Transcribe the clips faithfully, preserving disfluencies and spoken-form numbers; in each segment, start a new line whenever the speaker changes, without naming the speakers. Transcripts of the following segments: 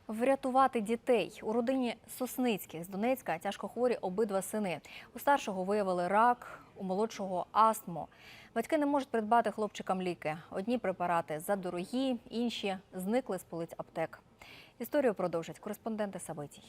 Врятувати дітей. У родині Сосницьких з Донецька тяжкохворі обидва сини. У старшого виявили рак, у молодшого – астму. Батьки не можуть придбати хлопчикам ліки. Одні препарати задорогі, інші зникли з полиць аптек. Історію продовжать кореспонденти Сабитій.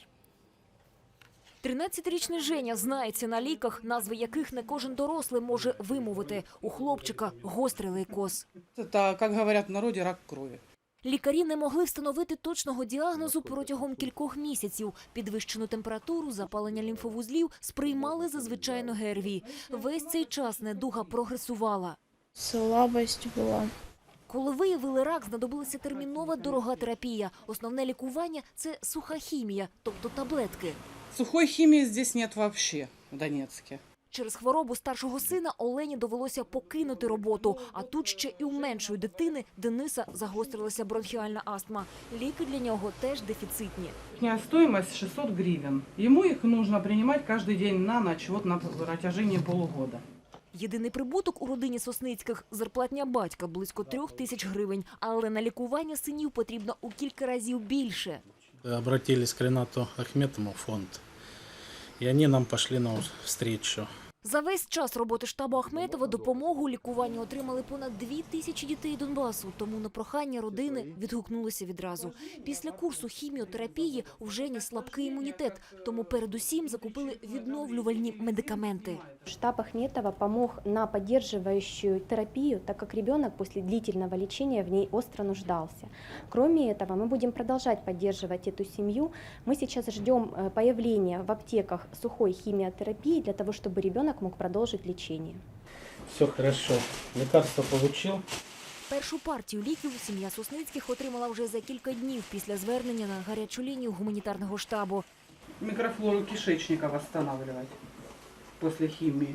тринадцятирічний Женя знається на ліках, назви яких не кожен дорослий може вимовити. У хлопчика гострий лейкоз.
Это, как говорят в народе, рак крови.
Лікарі не могли встановити точного діагнозу протягом кількох місяців. Підвищену температуру, запалення лімфовузлів сприймали за звичайну ГРВІ. Весь цей час недуга прогресувала.
Слабость була.
Коли виявили рак, знадобилася термінова дорога терапія. Основне лікування – це суха хімія, тобто таблетки.
Сухой химии здесь нет вообще, в Донецке.
Через хворобу старшого сина Олені довелося покинути роботу. А тут ще і у меншої дитини Дениса загострилася бронхіальна астма. Ліки для нього теж дефіцитні.
Их стоимость шестьсот гривен. Ему их нужно принимать каждый день на ночь, вот на протяжении полугода.
Єдиний прибуток у родині Сосницьких – зарплатня батька – близько трьох тисяч гривень. Але на лікування синів потрібно у кілька разів більше.
Обратились к Ренату Ахметову в фонд, и они нам пошли на встречу.
За весь час роботи штабу Ахметова допомогу у лікуванні отримали понад дві тисячі дітей Донбасу. Тому на прохання родини відгукнулися відразу. Після курсу хіміотерапії у Жені слабкий імунітет, тому передусім закупили відновлювальні медикаменти.
Штаб Ахметова помог на поддерживающую терапию, так как ребенок после длительного лечения в ней остро нуждался. Кроме этого, мы будем продолжать поддерживать эту семью. Мы сейчас ждем появления в аптеках сухой химиотерапии для того, чтобы ребенок мог продолжить лечение.
Все хорошо. Лекарство получил.
Першу партію ліків сім'я Сосницьких отримала вже за кілька днів після звернення на гарячу лінію гуманітарного штабу.
Микрофлору кишечника восстанавливать после химии.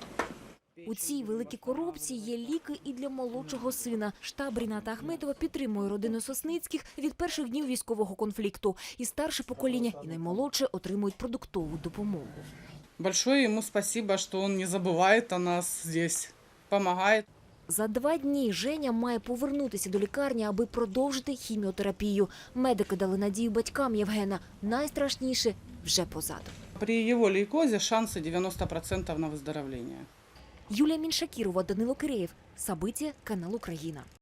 У цій великій коробці є ліки і для молодшого сина. Штаб Рената Ахметова підтримує родину Сосницьких від перших днів військового конфлікту. І старше покоління, і наймолодше отримують продуктову допомогу.
Большое ему спасибо, что он не забывает о нас здесь, помогает.
За два дні Женя має повернутися до лікарні, аби продовжити хіміотерапію. Медики дали надію батькам Євгена. Найстрашніше вже позаду.
При его лейкозе шансы девяносто процентов на выздоровление.
Юлія Міншакірова, Данило Киреєв. Сабиття, канал Україна.